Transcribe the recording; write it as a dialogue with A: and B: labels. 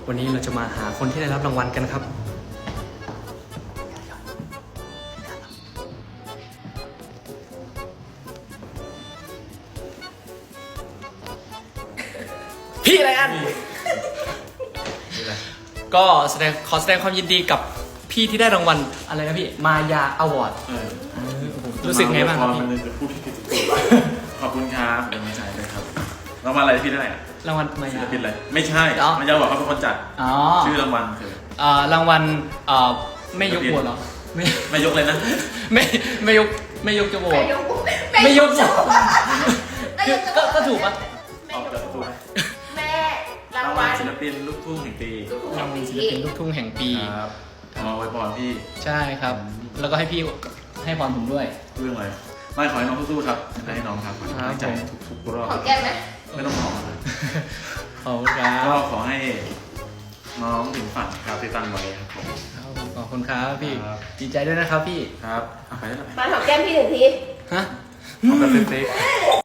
A: วันนี้เราจะมาหาคนที่ได้รับรางวัลกันครับพี่อะไรอันก็ขอแสดงความยินดีกับพี่ที่ได้รางวัลอะไรนะพี่มายาอวอร์ดรู้สึกไงบ้างครับพี่
B: มันจะพูดผิดขอบคุณครับเป็นกำลังใจเลยครับรางวัลอะไรพี่ได้อะ
A: รางวัลมา
B: ศิ
A: ยา
B: ลปินอะไรไม่ใช่มันจะบอกเขาเป็นคนจัด
A: อ๋อ
B: ชื่อรางวัลคือ
A: รางวัลไม่ยกหัวเหรอ
B: ไม่ยกเลยนะ
A: ไม่ยกจะโหวต
C: ไม่ยก
A: คือก็ถูกปะ
B: ออกจากตัว
C: แม่ราร
B: าง ง
C: วั
B: วัล
C: ล
B: ศิลปินลูกทุ่งแห่งปี
A: รางวัลศิลปินลูกทุ่งแห่งปี
B: ครับมาไว้พรพี่
A: ใช่ครับ แล้วก็ให้พี่ให้พรผมด้วย
B: เรื่องอะไรไม่ขอให้น้องสู้ๆครับให้น้องครับขอให้กำลังใจทุกรอบ
C: ของแก้มไหม
B: ไม่ต้องขอเลย
A: ขอบคุณครั
B: ก็
A: บ
B: ขอให้น้องถึงฝันครับที่ตั้งไว้ครับผม
A: ขอบคุณครับพี่
B: ครับ
A: ดีใจด้วยนะครับพี่
B: ครับเอาไปได้ไหม
C: มาของแก้มพี่หนึ่งที
A: ฮะ
B: เอาแบบเฟก